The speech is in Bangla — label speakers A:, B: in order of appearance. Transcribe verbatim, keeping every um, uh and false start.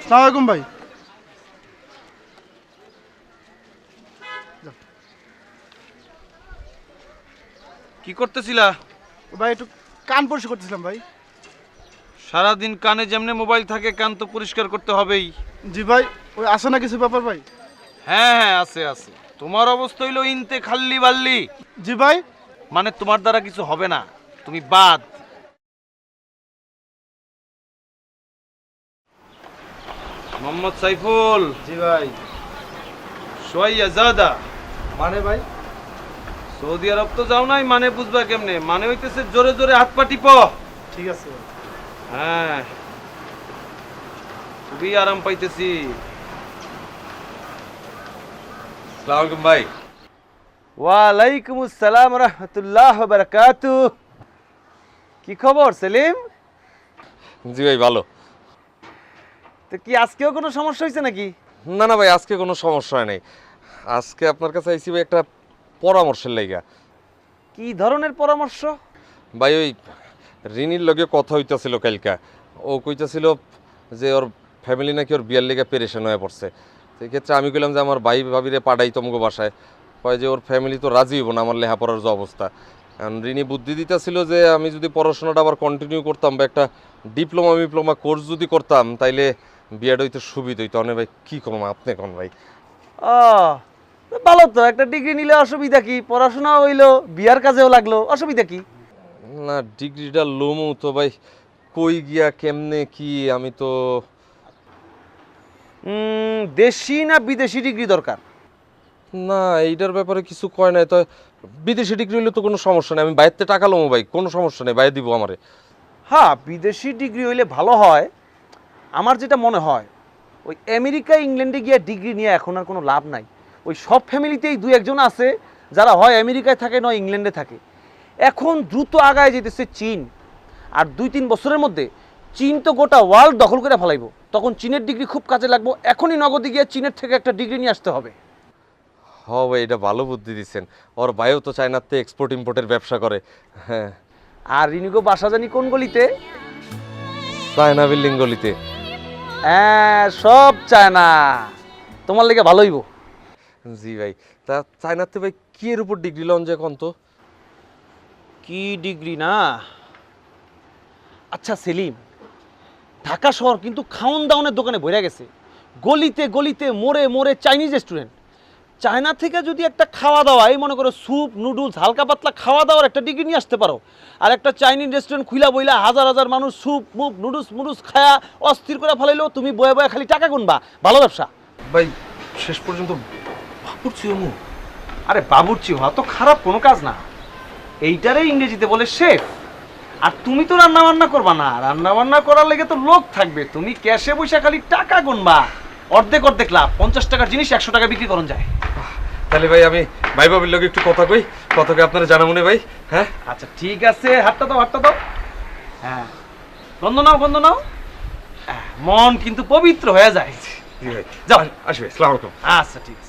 A: আসসালামু আলাইকুম ভাই।
B: কি করতেছিলা?
A: ভাই একটু কান পরিষ্কার করতেছিলাম ভাই।
B: সারাদিন কানে যেমনে মোবাইল থাকে, কান তো পরিষ্কার করতে হবেই।
A: জি ভাই, ওই আসে না কিছু ব্যাপার ভাই?
B: হ্যাঁ হ্যাঁ আছে আছে। তোমার অবস্থা হইলো ইনতে খাল্লি বাল্লি,
A: জি ভাই।
B: মানে তোমার দ্বারা কিছু হবে না, তুমি বাদ। মোহাম্মদ সাইফুল।
A: জি ভাই।
B: সোয়াইয়া জাদা।
A: মানে ভাই?
B: সৌদি আরব তো যাও নাই, মানে বুঝবা কেমনে? মানে হইতেছে জোরে জোরে হাত পা টিপ।
A: ঠিক আছে ভাই।
B: হ্যাঁ, খুবই আরাম পাইতেছি।
C: আসসালামু আলাইকুম ভাই।
B: ওয়ালাইকুম আসসালাম রাহমাতুল্লাহ ওয়া বারাকাতুহু। কি খবর সেলিম?
C: জি ভাই ভালো।
B: তো কি আজকেও কোনো সমস্যা হয়েছে নাকি?
C: না না ভাই, আজকে কোনো সমস্যা হয় নাই। আজকে আপনার কাছে আইসি ভাই একটা পরামর্শের লাইগা।
B: কি ধরনের পরামর্শ?
C: ভাই ওই রিনির লগে কথা হইতাছিল কালকা। ও কইতাছিল যে ওর ফ্যামিলি নাকি ওর বিয়ার লেগে পেরেশান হয়ে পড়ছে। সেই ক্ষেত্রে আমি কইলাম যে আমার ভাই ভাবিরে পাঠাই তোমাকে বাসায়। কয় যে ওর ফ্যামিলি তো রাজি হইব না আমার লেখাপড়ার যে অবস্থা। কারণ রিনি বুদ্ধি দিতেছিল যে আমি যদি পড়াশোনাটা আবার কন্টিনিউ করতাম বা একটা ডিপ্লোমা ডিপ্লোমা কোর্স যদি করতাম তাইলে বিয়েটা হইতে সুবিধা হইতো। অনেক ভাই কী কম আপনি কোন ভাই?
B: ও ভালো তো, একটা ডিগ্রি নিলে অসুবিধা কি? পড়াশোনা হইলো, বিয়ার কাজেও লাগলো, অসুবিধা কি?
C: না ডিগ্রিটা লোমো তো ভাই, কই গিয়া কেমনে কি আমি তো।
B: উম, দেশি না বিদেশি ডিগ্রি দরকার?
C: না এইটার ব্যাপারে কিছু কয় নাই। তো বিদেশি ডিগ্রি হইলে তো কোনো সমস্যা নেই, আমি বাইরে টাকা লোমো ভাই, কোনো সমস্যা নেই, বাইরে দিব আমারে।
B: হ্যাঁ, বিদেশি ডিগ্রি হইলে ভালো হয়। আমার যেটা মনে হয়, ওই আমেরিকা ইংল্যান্ডে গিয়ে ডিগ্রি নিয়ে এখন আর কোনো লাভ নাই। ওই সব ফ্যামিলিতেই দুই একজন আছে যারা হয় আমেরিকায় থাকে নয় ইংল্যান্ডে থাকে। এখন দ্রুত আগায় যেতেছে চীন, আর দুই তিন বছরের মধ্যে চীন তো গোটা ওয়ার্ল্ড দখল করে ফেলাইব। তখন চীনের ডিগ্রি খুব কাজে লাগবো। এখনই নগদে গিয়ে চীনের থেকে একটা ডিগ্রি নিয়ে আসতে হবে।
C: হ ভাই, এটা ভালো বুদ্ধি দিচ্ছেন। ওর ভাইও তো চায়নাতে এক্সপোর্ট ইম্পোর্টের ব্যবসা করে। হ্যাঁ।
B: আর রিনিকো বাসা জানি কোন গলিতে?
C: চায়না বিল্ডিং গলিতে।
B: হ্যাঁ, সব চায় না, তোমার লেগে ভালো হইব।
C: জি ভাই। তা চায়নাতে ভাই কি এর উপর ডিগ্রি লন যে কোন তো?
B: কি ডিগ্রি না? আচ্ছা সেলিম, ঢাকা শহর কিন্তু খাওন দাওনের দোকানে ভরে গেছে। গলিতে গলিতে মোড়ে মোড়ে চাইনিজ রেস্টুরেন্ট। চায়না থেকে যদি একটা খাওয়া দাওয়া, এই মনে করো স্যুপ নুডলস হালকা পাতলা খাওয়া দাওয়ার একটা ডিগ্রি নিয়ে আসতে পারো, আর একটা চাইনিজ রেস্টুরেন্ট খুইলা বইলা হাজার হাজার মানুষ স্যুপ মুপ নুডলস মুডলস খায়া অস্থির করে ফেলাইলো, তুমি বয়ে বয়ে খালি টাকা গুনবা। ভালো ব্যবসা
C: ভাই শেষ পর্যন্ত ভাবছি আমু।
B: আরে বাবুর্চি হওয়া তো খারাপ কোনো কাজ না। এইটারে ইংরেজিতে বলে শেফ। আর তুমি তো রান্না বান্না করবা না, রান্না বান্না করার লেগে তো লোক থাকবে। তুমি ক্যাশে বসে খালি টাকা গুনবা। অর্ধেক অর্ধেক লাভ। পঞ্চাশ টাকার জিনিস একশো টাকা বিক্রি করুন যায়।
C: তাহলে ভাই আমি ভাই বাবির লগে একটু কথা কই, কথাকে আপনারা জানাবো না ভাই। হ্যাঁ
B: আচ্ছা ঠিক আছে, হাতটা দাও হাতটা দাও। হ্যাঁ, গন্ধ নাও গন্ধ নাও। আহ, মন কিন্তু পবিত্র হয়ে যায়।
C: জি ভাই,
B: যাও।
C: আসবে। আসসালামু আলাইকুম।
B: আচ্ছা ঠিক আছে।